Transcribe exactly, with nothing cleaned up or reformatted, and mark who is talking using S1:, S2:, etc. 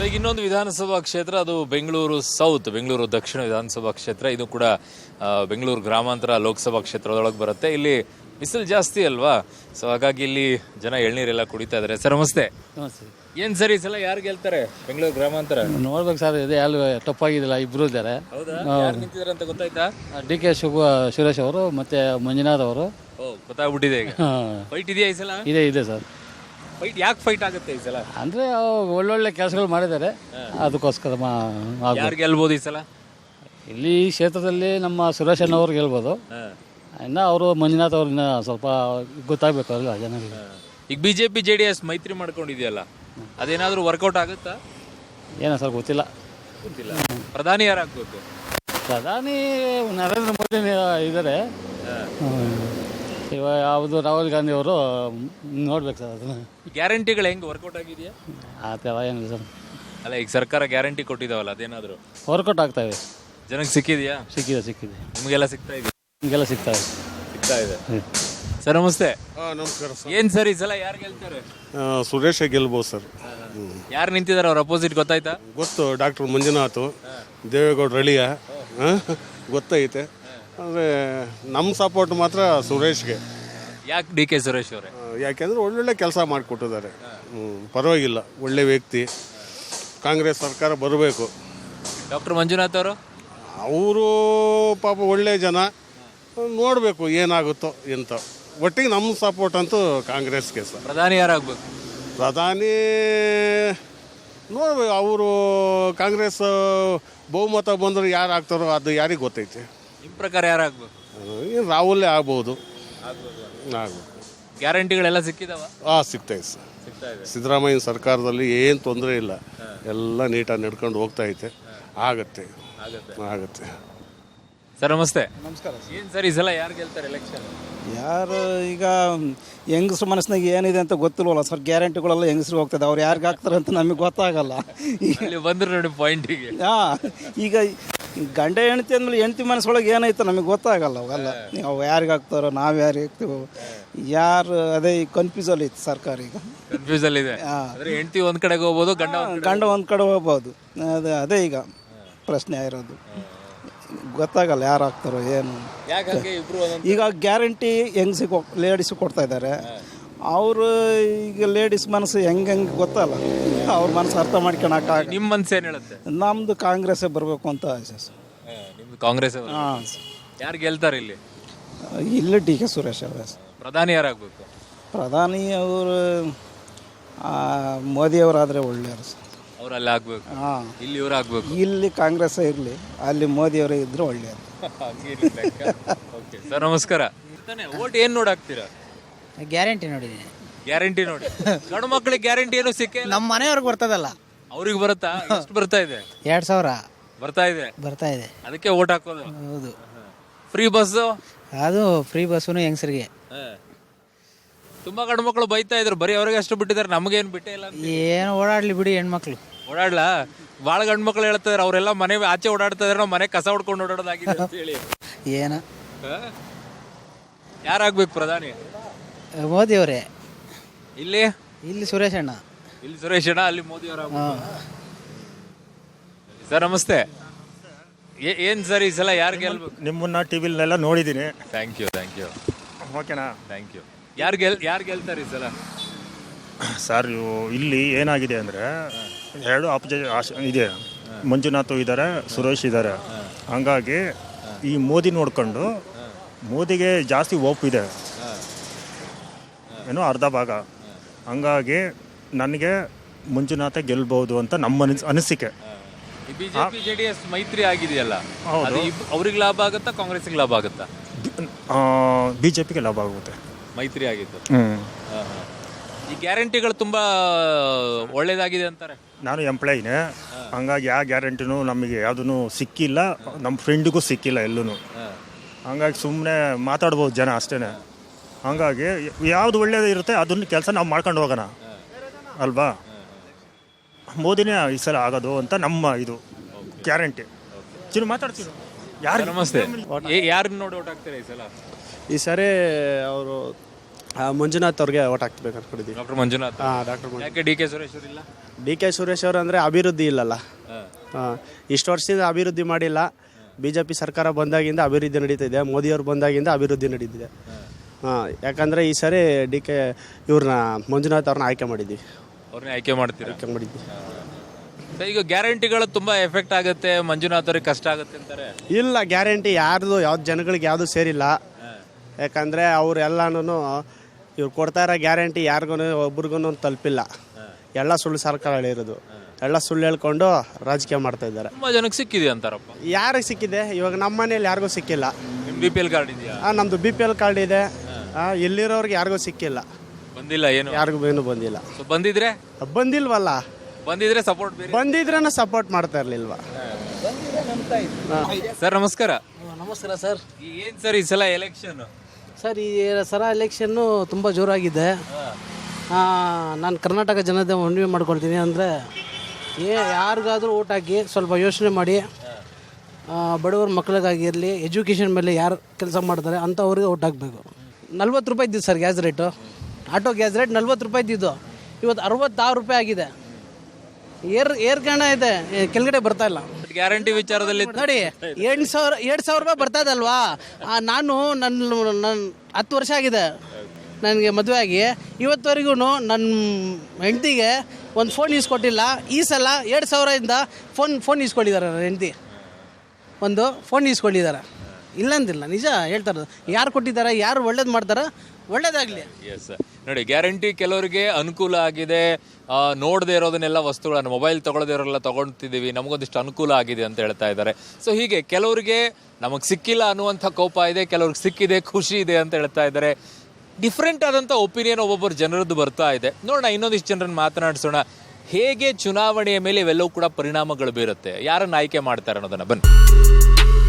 S1: ಈಗ ಇನ್ನೊಂದು ವಿಧಾನಸಭಾ ಕ್ಷೇತ್ರ, ಅದು ಬೆಂಗಳೂರು ಸೌತ್, ಬೆಂಗಳೂರು ದಕ್ಷಿಣ ವಿಧಾನಸಭಾ ಕ್ಷೇತ್ರ. ಇದು ಕೂಡ ಬೆಂಗಳೂರು ಗ್ರಾಮಾಂತರ ಲೋಕಸಭಾ ಕ್ಷೇತ್ರದೊಳಗೆ ಬರುತ್ತೆ. ಇಲ್ಲಿ ಬಿಸಿಲು ಜಾಸ್ತಿ ಅಲ್ವಾ, ಸೊ ಹಾಗಾಗಿ ಇಲ್ಲಿ ಜನ ಎಳ್ನೀರೆಲ್ಲ ಕುಡಿತಾ ಇದ್ದಾರೆ. ಸರ್ ನಮಸ್ತೆ. ಏನ್ ಸರ್ ಈ ಸಲ ಯಾರು ಗೆಲ್ತಾರೆ ಬೆಂಗಳೂರು ಗ್ರಾಮಾಂತರ?
S2: ನೋಡ್ಬೇಕು ಸರ್, ಇದೆ ಅಲ್ಲಿ ತಪ್ಪಾಗಿದ್ದಿಲ್ಲ, ಇಬ್ರು ಇದ್ದಾರೆ.
S1: ನಿಂತಿದ್ದಾರೆ ಅಂತ ಗೊತ್ತಾಯ್ತಾ?
S2: ಡಿ ಕೆ ಶಿವ ಸುರೇಶ್ ಅವರು ಮತ್ತೆ ಮಂಜುನಾಥ್ ಅವರು.
S1: ಓ, ಗೊತ್ತಾಗ್ಬಿಟ್ಟಿದೆ ಈಗ. ಫೈಟ್ ಇದೆಯಾ ಈ ಸಲ?
S2: ಇದೆ ಇದೆ ಸರ್.
S1: ಫೈಟ್ ಯಾಕೆ ಫೈಟ್ ಆಗುತ್ತೆ ಈ ಸಲ?
S2: ಅಂದ್ರೆ ಒಳ್ಳೊಳ್ಳೆ ಕೆಲಸಗಳು ಮಾಡಿದ್ದಾರೆ, ಅದಕ್ಕೋಸ್ಕರ
S1: ಯಾರು ಗೆಲ್ಬೋದು ಈ ಸಲ?
S2: ಇಲ್ಲಿ ಈ ಕ್ಷೇತ್ರದಲ್ಲಿ ನಮ್ಮ ಸುರೇಶ್ ಅಣ್ಣವ್ರು ಗೆಲ್ಬೋದು. ಇನ್ನು ಅವರು ಮಂಜುನಾಥ್ ಅವ್ರನ್ನ ಸ್ವಲ್ಪ ಗೊತ್ತಾಗಬೇಕು ಅಲ್ಲ ಜನರಿಗೆ.
S1: ಈಗ ಬಿಜೆಪಿ ಜೆ ಡಿ ಎಸ್ ಮೈತ್ರಿ ಮಾಡ್ಕೊಂಡಿದೆಯಲ್ಲ, ಅದೇನಾದ್ರೂ ವರ್ಕೌಟ್ ಆಗುತ್ತಾ?
S2: ಏನೋ ಸರ್ ಗೊತ್ತಿಲ್ಲ.
S1: ಗೊತ್ತಿಲ್ಲ. ಪ್ರಧಾನಿ ಯಾರಾಗಬೇಕು?
S2: ಪ್ರಧಾನಿ ನರೇಂದ್ರ ಮೋದಿ ಇದ್ದಾರೆ. ಇವಾಗ ಯಾವುದು ರಾಹುಲ್ ಗಾಂಧಿ ಅವರು ನೋಡ್ಬೇಕು ಸರ್. ಅದನ್ನ
S1: ಗ್ಯಾರಂಟಿಗಳು ಹೆಂಗೆ ವರ್ಕೌಟ್ ಆಗಿದೆಯಾ?
S2: ಆ ಥರ ಏನಿಲ್ಲ ಸರ್.
S1: ಅಲ್ಲ, ಈಗ ಸರ್ಕಾರ ಗ್ಯಾರಂಟಿ ಕೊಟ್ಟಿದಾವಲ್ಲ, ಅದೇನಾದ್ರು
S2: ವರ್ಕೌಟ್ ಆಗ್ತಾವೆ?
S1: ಜನಕ್ಕೆ ಸಿಕ್ಕಿದೆಯಾ?
S2: ಸಿಕ್ಕಿದೆ ಸಿಕ್ಕಿದೆ
S1: ನಿಮಗೆಲ್ಲ ಸಿಗ್ತಾ ಇದೆ?
S2: ನಿಮಗೆಲ್ಲ ಸಿಗ್ತಾ ಇದೆ
S1: ಸಿಗ್ತಾ ಇದೆ. ಸರ್ ನಮಸ್ತೆ.
S3: ನಮಸ್ಕಾರ ಸರ್.
S1: ಏನ್ ಸರ್ ಈ ಸಲ ಯಾರು ಗೆಲ್ತಾರೆ?
S3: ಸುರೇಶ ಗೆಲ್ಬೋದು ಸರ್.
S1: ಯಾರು ನಿಂತಿದ್ದಾರೆ ಅವ್ರ ಅಪೋಸಿಟ್ ಗೊತ್ತಾಯ್ತಾ?
S3: ಗೊತ್ತು, ಡಾಕ್ಟರ್ ಮಂಜುನಾಥ್, ದೇವೇಗೌಡ ರಳಿಯ ಗೊತ್ತೈತೆ. ಅಂದರೆ ನಮ್ಮ ಸಪೋರ್ಟ್ ಮಾತ್ರ ಸುರೇಶ್ಗೆ.
S1: ಯಾಕೆ ಡಿ ಕೆ ಸುರೇಶ್ ಅವರೇ?
S3: ಯಾಕೆಂದರೆ ಒಳ್ಳೊಳ್ಳೆ ಕೆಲಸ ಮಾಡಿಕೊಟ್ಟಿದ್ದಾರೆ. ಹ್ಞೂ, ಪರವಾಗಿಲ್ಲ, ಒಳ್ಳೆ ವ್ಯಕ್ತಿ. ಕಾಂಗ್ರೆಸ್ ಸರ್ಕಾರ ಬರಬೇಕು.
S1: ಡಾಕ್ಟರ್ ಮಂಜುನಾಥ್ ಅವರು
S3: ಅವರು ಪಾಪ ಒಳ್ಳೆ ಜನ, ನೋಡಬೇಕು ಏನಾಗುತ್ತೋ ಎಂತ. ಒಟ್ಟಿಗೆ ನಮ್ಮ ಸಪೋರ್ಟ್ ಅಂತೂ ಕಾಂಗ್ರೆಸ್ಗೆ ಸರ್.
S1: ಪ್ರಧಾನಿ ಯಾರಾಗಬೇಕು?
S3: ಪ್ರಧಾನಿ ನೋಡ್ಬೇಕು, ಅವರು ಕಾಂಗ್ರೆಸ್ ಬಹುಮತ ಬಂದ್ರೆ ಯಾರು ಆಗ್ತಾರೋ ಅದು ಯಾರಿಗೆ ಗೊತ್ತೈತೆ.
S1: ನಿಮ್ಮ ಪ್ರಕಾರ ಯಾರಾಗಬೇಕು?
S3: ಏನು ರಾಹುಲೇ ಆಗ್ಬೋದು. ಆಗ್ಬೇಕು.
S1: ಗ್ಯಾರಂಟಿಗಳೆಲ್ಲ ಸಿಕ್ಕಿದಾವ?
S3: ಹಾಂ, ಸಿಗ್ತಾಯಿದೆ ಸರ್.
S1: ಸಿಗ್ತಾ ಇದೆ.
S3: ಸಿದ್ದರಾಮಯ್ಯ ಸರ್ಕಾರದಲ್ಲಿ ಏನು ತೊಂದರೆ ಇಲ್ಲ, ಎಲ್ಲ ನೀಟಾಗಿ ನಡ್ಕೊಂಡು ಹೋಗ್ತಾ ಐತೆ. ಆಗತ್ತೆ ಆಗತ್ತೆ.
S1: ಸರ್ ನಮಸ್ತೆ.
S4: ನಮಸ್ಕಾರ.
S1: ಏನು ಸರ್ ಈ ಸಲ ಯಾರು ಗೆಲ್ತಾರೆ ಎಲೆಕ್ಷನ್?
S4: ಯಾರು ಈಗ ಹೆಂಗಸ್ರ ಮನಸ್ಸಿನಾಗ ಏನಿದೆ ಅಂತ ಗೊತ್ತಿಲ್ವಲ್ಲ ಸರ್. ಗ್ಯಾರಂಟಿಗಳೆಲ್ಲ ಹೆಂಗಸ್ರಿಗೆ ಹೋಗ್ತದೆ, ಅವ್ರು ಯಾರಿಗೆ ಹಾಕ್ತಾರೆ ಅಂತ ನಮಗೆ ಗೊತ್ತಾಗಲ್ಲ.
S1: ಇಲ್ಲಿ ಬಂದ್ರೆ ನೋಡಿ ಪಾಯಿಂಟಿಗೆ.
S4: ಹಾಂ, ಈಗ ಗಂಡ ಹೆಂಡತಿ ಅಂದಮೇಲೆ ಹೆಂಡತಿ ಮನಸ್ಸೊಳಗೆ ಏನೈತೆ ನಮಗೆ ಗೊತ್ತಾಗಲ್ಲ. ಅವೆಲ್ಲ ಅವು ಯಾರಿಗೆ ಹಾಕ್ತಾರೋ, ನಾವು ಯಾರಿಗೆ ಹಾಕ್ತೀವೋ, ಯಾರು ಅದೇ ಕನ್ಫ್ಯೂಸಲ್ಲಿ ಐತೆ ಸರ್ಕಾರ ಈಗ.
S1: ಕನ್ಫ್ಯೂಸಲ್ಲಿ ಇದೆ. ಹೆಂಡತಿ ಒಂದ್ ಕಡೆಗೆ ಹೋಗ್ಬೋದು, ಗಂಡ
S4: ಗಂಡ ಒಂದು ಕಡೆ ಹೋಗ್ಬೋದು. ಅದೇ ಅದೇ ಈಗ ಪ್ರಶ್ನೆ ಆಗಿರೋದು. ಗೊತ್ತಾಗಲ್ಲ ಯಾರು ಹಾಕ್ತಾರೋ ಏನು. ಈಗ ಗ್ಯಾರಂಟಿ ಹೆಂಗ್ಸಿಗೆ ಲೇಡೀಸಿಗೆ ಕೊಡ್ತಾ ಇದ್ದಾರೆ. ಅವರು ಈಗ ಲೇಡೀಸ್ ಮನಸ್ಸು ಹೆಂಗೆ ಹೆಂಗೆ ಗೊತ್ತಲ್ಲ, ಅವ್ರ ಮನಸ್ಸು ಅರ್ಥ ಮಾಡ್ಕೊಳಕ.
S1: ನಿಮ್ಮ ಮನಸ್ಸು ಏನು ಹೇಳುತ್ತೆ?
S4: ನಮ್ಮದು ಕಾಂಗ್ರೆಸ್ಸೇ ಬರಬೇಕು ಅಂತ ಆಸೆ ಸರ್.
S1: ನಿಮ್ದು ಕಾಂಗ್ರೆಸ್?
S4: ಹಾಂ.
S1: ಯಾರು ಗೆಲ್ತಾರೆ ಇಲ್ಲಿ?
S4: ಇಲ್ಲಿ ಡಿ ಕೆ ಸುರೇಶ್ ಅವರೇ.
S1: ಪ್ರಧಾನಿ ಯಾರಾಗಬೇಕು?
S4: ಪ್ರಧಾನಿ ಅವರು ಮೋದಿಯವರಾದರೆ ಒಳ್ಳೆಯವರು ಸರ್.
S1: ಅವ್ರು ಅಲ್ಲಿ ಆಗ್ಬೇಕು.
S4: ಹಾಂ,
S1: ಇಲ್ಲಿ ಇವ್ರು ಆಗ್ಬೇಕು.
S4: ಇಲ್ಲಿ ಕಾಂಗ್ರೆಸ್ ಇರಲಿ, ಅಲ್ಲಿ ಮೋದಿಯವರೇ ಇದ್ದರೆ ಒಳ್ಳೆಯದು.
S1: ಸರ್ ನಮಸ್ಕಾರ. ಓಟ್ ಏನು ನೋಡಾಕ್ತೀರಾ?
S5: ಗ್ಯಾರಂಟಿ ನೋಡಿದ್ದೀನಿ.
S1: ಗ್ಯಾರಂಟಿ ನೋಡಿ. ಗಂಡು ಮಕ್ಕಳಿಗೆ ಗ್ಯಾರಂಟಿ ಏನು ಸಿಕ್ಕ?
S5: ನಮ್ಮ ಮನೆಯವ್ರಿಗೆ ಬರ್ತದಲ್ಲ.
S1: ಅವ್ರಿಗೆ ಬರುತ್ತಾ? ಎಷ್ಟು ಬರ್ತಾ ಇದೆ?
S5: ಎರಡು ಸಾವಿರ
S1: ಬರ್ತಾ ಇದೆ.
S5: ಬರ್ತಾ ಇದೆ.
S1: ಅದಕ್ಕೆ ಓಟ್ ಹಾಕೋದು?
S5: ಹೌದು.
S1: Free bus?
S5: ಅದು ಫ್ರೀ ಬಸ್ಸು ಹೆಂಗಸರಿಗೆ.
S1: ತುಂಬಾ ಗಂಡು ಮಕ್ಕಳು ಬೈತಾ ಇದ್ರು, ಬರೀ ಅವ್ರಿಗೆ ಅಷ್ಟು ಬಿಟ್ಟಿದ್ದಾರೆ, ನಮಗೇನು ಬಿಟ್ಟೇ ಇಲ್ಲ.
S5: ಏನು ಓಡಾಡ್ಲಿ ಬಿಡಿ, ಹೆಣ್ಮಕ್ಳು
S1: ಓಡಾಡ್ಲಾ? ಭಾಳ ಗಂಡು ಮಕ್ಕಳು ಹೇಳ್ತಾರೆ ಅವರೆಲ್ಲ ಮನೆ ಆಚೆ ಓಡಾಡ್ತಾ ಇದ್ರೆ ನಾವು ಮನೆ ಕಸ ಹೊಡ್ಕೊಂಡು ಓಡಾಡೋದಾಗಿದೆ ಅಂತ ಹೇಳಿ.
S5: ಏನ
S1: ಯಾರಾಗ್ಬೇಕು ಪ್ರಧಾನಿ?
S5: ಮೋದಿ ಅವರೇ.
S1: ಇಲ್ಲಿ
S5: ಇಲ್ಲಿ ಸುರೇಶ್ ಅಣ್ಣ.
S1: ಇಲ್ಲಿ ಸುರೇಶ್ ಅಣ್ಣ, ಅಲ್ಲಿ ಮೋದಿ ಅವರ. ಸರ್ ನಮಸ್ತೆ. ಏನ್ ಸರ್ ಈ ಸಲ ಯಾರು ಗೆಲ್ಬೇಕು?
S6: ನಿಮ್ಮನ್ನ ಟಿವಿಲೆಲ್ಲ ನೋಡಿದ್ದೀನಿ.
S1: Thank you thank you.
S6: ಓಕೆನಾ?
S1: Thank you. ಯಾರು ಗೆಲ್ ಯಾರು ಗೆಲ್ತಾರೆ ಈ ಸಲ?
S6: ಸರ್ ಇಲ್ಲಿ ಏನಾಗಿದೆ ಅಂದರೆ, ಎರಡು ಆಪೋಸಿಟ್ ಇದೆ. ಮಂಜುನಾಥ್ ಇದ್ದಾರೆ, ಸುರೇಶ್ ಇದ್ದಾರೆ. ಹಂಗಾಗಿ ಈ ಮೋದಿ ನೋಡ್ಕೊಂಡು ಮೋದಿಗೆ ಜಾಸ್ತಿ ಓಪ್ ಇದೆ, ಏನೋ ಅರ್ಧ ಭಾಗ. ಹಂಗಾಗಿ ನನಗೆ ಮಂಜುನಾಥ ಗೆಲ್ಬಹುದು ಅಂತ ನಮ್ಮ ಅನಿಸ್ ಅನಿಸಿಕೆ.
S1: ಬಿಜೆಪಿ ಜೆಡಿಎಸ್ ಮೈತ್ರಿ ಆಗಿದೆಯಲ್ಲ, ಅವ್ರಿಗೆ ಲಾಭ ಆಗುತ್ತಾ ಕಾಂಗ್ರೆಸ್ಗೆ ಲಾಭ ಆಗುತ್ತಾ?
S6: ಬಿ ಜೆ ಪಿಗೆ ಲಾಭ ಆಗುತ್ತೆ
S1: ಮೈತ್ರಿ ಆಗಿತ್ತು.
S6: ಹ್ಞೂ.
S1: ಈ ಗ್ಯಾರಂಟಿಗಳು ತುಂಬಾ ಒಳ್ಳೇದಾಗಿದೆ ಅಂತಾರೆ.
S6: ನಾನು ಎಂಪ್ಲಾಯಿನೇ, ಹಂಗಾಗಿ ಯಾವ ಗ್ಯಾರಂಟಿನೂ ನಮಗೆ ಯಾವುದೂ ಸಿಕ್ಕಿಲ್ಲ, ನಮ್ಮ ಫ್ರೆಂಡಿಗೂ ಸಿಕ್ಕಿಲ್ಲ ಎಲ್ಲೂ. ಹಂಗಾಗಿ ಸುಮ್ಮನೆ ಮಾತಾಡ್ಬೋದು ಜನ ಅಷ್ಟೇ. ಹಂಗಾಗಿ ಯಾವುದು ಒಳ್ಳೇದು ಇರುತ್ತೆ ಅದನ್ನ ಕೆಲಸ ನಾವು ಮಾಡ್ಕೊಂಡು ಹೋಗೋಣ ಅಲ್ವಾ. ಮೋದಿನೇ ಈ ಸಲ ಆಗೋದು ಅಂತ ನಮ್ಮ ಇದು ಗ್ಯಾರಂಟಿ. ಚಿನ್ನ ಮಾತಾಡ್ತೀನಿ. ಯಾರು?
S1: ನಮಸ್ತೆ. ಯಾರನ್ನ ನೋಡಿ ಓಟ್ ಹಾಕ್ತೀರಾ ಈ ಸಲ?
S7: ಈ ಸರಿ ಅವರು ಆ, ಮಂಜುನಾಥ್ ಅವ್ರಿಗೆ ಓಟ್ ಹಾಕ್ಬೇಕು ಅನ್ಕೊಂಡಿದ್ದೀವಿ.
S1: ಡಾಕ್ಟರ್ ಮಂಜುನಾಥ್.
S7: ಹಾಂ ಡಾಕ್ಟರ್ ಮಂಜು
S1: ಯಾಕೆ ಡಿ ಕೆ ಸುರೇಶ್ ಅವರು ಇಲ್ಲ?
S7: ಡಿ ಕೆ ಸುರೇಶ್ ಅವರು ಅಂದರೆ ಅಭಿವೃದ್ಧಿ ಇಲ್ಲಲ್ಲ. ಹಾಂ ಇಷ್ಟು ವರ್ಷದಿಂದ ಅಭಿವೃದ್ಧಿ ಮಾಡಿಲ್ಲ. ಬಿ ಜೆ ಪಿ ಸರ್ಕಾರ ಬಂದಾಗಿಂದ ಅಭಿವೃದ್ಧಿ ನಡೀತಿದೆ, ಮೋದಿಯವರು ಬಂದಾಗಿಂದ ಅಭಿವೃದ್ಧಿ ನಡೀತಿದೆ. ಹಾಂ ಯಾಕಂದರೆ ಈ ಸರಿ ಡಿ ಕೆ ಇವ್ರನ್ನ ಮಂಜುನಾಥ್ ಅವ್ರನ್ನ ಆಯ್ಕೆ ಮಾಡಿದ್ದೀವಿ.
S1: ಅವ್ರನ್ನೇ ಆಯ್ಕೆ ಮಾಡ್ತೀರಾ?
S7: ಆಯ್ಕೆ ಮಾಡಿದ್ವಿ.
S1: ಸೊ ಈಗ ಗ್ಯಾರಂಟಿಗಳು ತುಂಬಾ ಎಫೆಕ್ಟ್ ಆಗುತ್ತೆ, ಮಂಜುನಾಥ್ ಅವ್ರಿಗೆ ಕಷ್ಟ ಆಗುತ್ತೆ ಅಂತಾರೆ.
S7: ಇಲ್ಲ, ಗ್ಯಾರಂಟಿ ಯಾರ್ದು ಯಾವ್ದು ಜನಗಳಿಗೆ ಯಾವುದು ಸೇರಿಲ್ಲ. ಯಾಕಂದರೆ ಅವ್ರು ಎಲ್ಲನೂ ಇವ್ರು ಕೊಡ್ತಾ ಇರೋ ಗ್ಯಾರಂಟಿ ಯಾರಿಗೂ ಒಬ್ರಿಗೂ ತಲುಪಿಲ್ಲ. ಎಲ್ಲ ಸುಳ್ಳು ಸರ್ಕಾರ ಹೇಳಿರೋದು, ಎಲ್ಲ ಸುಳ್ಳು ಹೇಳ್ಕೊಂಡು ರಾಜಕೀಯ ಮಾಡ್ತಾ ಇದ್ದಾರೆ.
S1: ತುಂಬಾ ಜನಕ್ಕೆ ಸಿಕ್ಕಿದೆ ಅಂತಾರಪ್ಪ.
S7: ಯಾರಿಗೆ ಸಿಕ್ಕಿದೆ? ಇವಾಗ ನಮ್ಮ ಮನೇಲಿ ಯಾರಿಗೂ ಸಿಕ್ಕಿಲ್ಲ.
S1: ನಿಮ್ ಬಿ ಪಿ ಎಲ್ ಕಾರ್ಡ್ ಇದೆಯಾ?
S7: ಹಾಂ ನಮ್ಮದು ಬಿ ಪಿ ಎಲ್ ಕಾರ್ಡ್ ಇದೆ. ಹಾಂ ಎಲ್ಲಿರೋರ್ಗೆ ಯಾರಿಗೂ ಸಿಕ್ಕಿಲ್ಲ,
S1: ಬಂದಿಲ್ಲ ಏನು?
S7: ಯಾರಿಗೂ ಏನು ಬಂದಿಲ್ಲ.
S1: ಸೊ ಬಂದಿದ್ರೆ
S7: ಬಂದಿಲ್ವಲ್ಲ,
S1: ಬಂದಿದ್ರೆ ಸಪೋರ್ಟ್ ಬೇರೆ.
S7: ಬಂದಿದ್ರೇನ ಸಪೋರ್ಟ್ ಮಾಡ್ತಾ ಇರ್ಲಿಲ್ವಾ?
S1: ಸರ್ ನಮಸ್ಕಾರ.
S5: ನಮಸ್ಕಾರ ಸರ್.
S1: ಈ ಏನ್ ಸರ್ ಈ ಸಲ ಎಲೆಕ್ಷನ್?
S5: ಸರ್ ಈ ಸರ ಎಲೆಕ್ಷನ್ನು ತುಂಬ ಜೋರಾಗಿದೆ. ನಾನು ಕರ್ನಾಟಕ ಜನತೆ ಮನವಿ ಮಾಡ್ಕೊಳ್ತೀನಿ ಅಂದರೆ ಏ ಯಾರಿಗಾದರೂ ಓಟ್ ಹಾಕಿ ಸ್ವಲ್ಪ ಯೋಚನೆ ಮಾಡಿ, ಬಡವರ ಮಕ್ಕಳಿಗಾಗಿರಲಿ, ಎಜುಕೇಷನ್ ಮೇಲೆ ಯಾರು ಕೆಲಸ ಮಾಡ್ತಾರೆ ಅಂಥವ್ರಿಗೆ ಓಟ್ ಹಾಕಬೇಕು. ನಲ್ವತ್ತು ರೂಪಾಯಿ ಇದ್ದಿದ್ದು sir gas rate, auto gas rate ನಲ್ವತ್ತು ರೂಪಾಯಿ ಇದ್ದಿದ್ದು, ಇವತ್ತು ಅರವತ್ತಾರು ರೂಪಾಯಿ ಆಗಿದೆ. ಏರ್ ಏರ್ಗಣ ಇದೆ, ಕೆಳಗಡೆ ಬರ್ತಾ ಇಲ್ಲ.
S1: ಗ್ಯಾರಂಟಿ ವಿಚಾರದಲ್ಲಿ
S5: ನೋಡಿ ಎಂಟು ಸಾವಿರ ಎರಡು ಸಾವಿರ ರೂಪಾಯಿ ಬರ್ತಾ ಇದಲ್ವಾ? ನಾನು ನನ್ನ ನನ್ನ ಹತ್ತು ವರ್ಷ ಆಗಿದೆ ನನಗೆ ಮದುವೆ ಆಗಿ, ಇವತ್ತುವರೆಗೂ ನನ್ನ ಹೆಂಡತಿಗೆ ಒಂದು ಫೋನ್ ಈಸ್ಕೊಟ್ಟಿಲ್ಲ. ಈ ಸಲ ಎರಡು ಸಾವಿರದಿಂದ ಫೋನ್ ಫೋನ್ ಈಸ್ಕೊಂಡಿದ್ದಾರೆ ನನ್ನ ಹೆಂಡತಿ, ಒಂದು ಫೋನ್ ಈಸ್ಕೊಂಡಿದ್ದಾರೆ. ಇಲ್ಲಂದಿಲ್ಲ, ನಿಜ ಹೇಳ್ತಾ ಇರೋದು. ಯಾರು ಕೊಟ್ಟಿದ್ದಾರೆ, ಯಾರು ಒಳ್ಳೇದು ಮಾಡ್ತಾರೆ, ಒಳ್ಳೇದಾಗಲಿ.
S1: ಎಸ್ ನೋಡಿ, ಗ್ಯಾರಂಟಿ ಕೆಲವರಿಗೆ ಅನುಕೂಲ ಆಗಿದೆ. ನೋಡದೇ ಇರೋದನ್ನೆಲ್ಲ ವಸ್ತುಗಳನ್ನು, ಮೊಬೈಲ್ ತೊಗೊಳದೇ ಇರೋರೆಲ್ಲ ತೊಗೊಳ್ತಿದ್ದೀವಿ, ನಮಗೊಂದಿಷ್ಟು ಅನುಕೂಲ ಆಗಿದೆ ಅಂತ ಹೇಳ್ತಾ ಇದ್ದಾರೆ. ಸೊ ಹೀಗೆ ಕೆಲವರಿಗೆ ನಮಗೆ ಸಿಕ್ಕಿಲ್ಲ ಅನ್ನುವಂಥ ಕೋಪ ಇದೆ, ಕೆಲವ್ರಿಗೆ ಸಿಕ್ಕಿದೆ ಖುಷಿ ಇದೆ ಅಂತ ಹೇಳ್ತಾ ಇದ್ದಾರೆ. ಡಿಫ್ರೆಂಟ್ ಆದಂಥ ಒಪಿನಿಯನ್ ಒಬ್ಬೊಬ್ಬರು ಜನರದ್ದು ಬರ್ತಾ ಇದೆ. ನೋಡೋಣ, ಇನ್ನೊಂದಿಷ್ಟು ಜನರನ್ನು ಮಾತನಾಡಿಸೋಣ. ಹೇಗೆ ಚುನಾವಣೆಯ ಮೇಲೆ ಇವೆಲ್ಲವೂ ಕೂಡ ಪರಿಣಾಮಗಳು ಬೀರುತ್ತೆ, ಯಾರನ್ನು ಆಯ್ಕೆ ಮಾಡ್ತಾರೆ ಅನ್ನೋದನ್ನು ಬನ್ನಿ.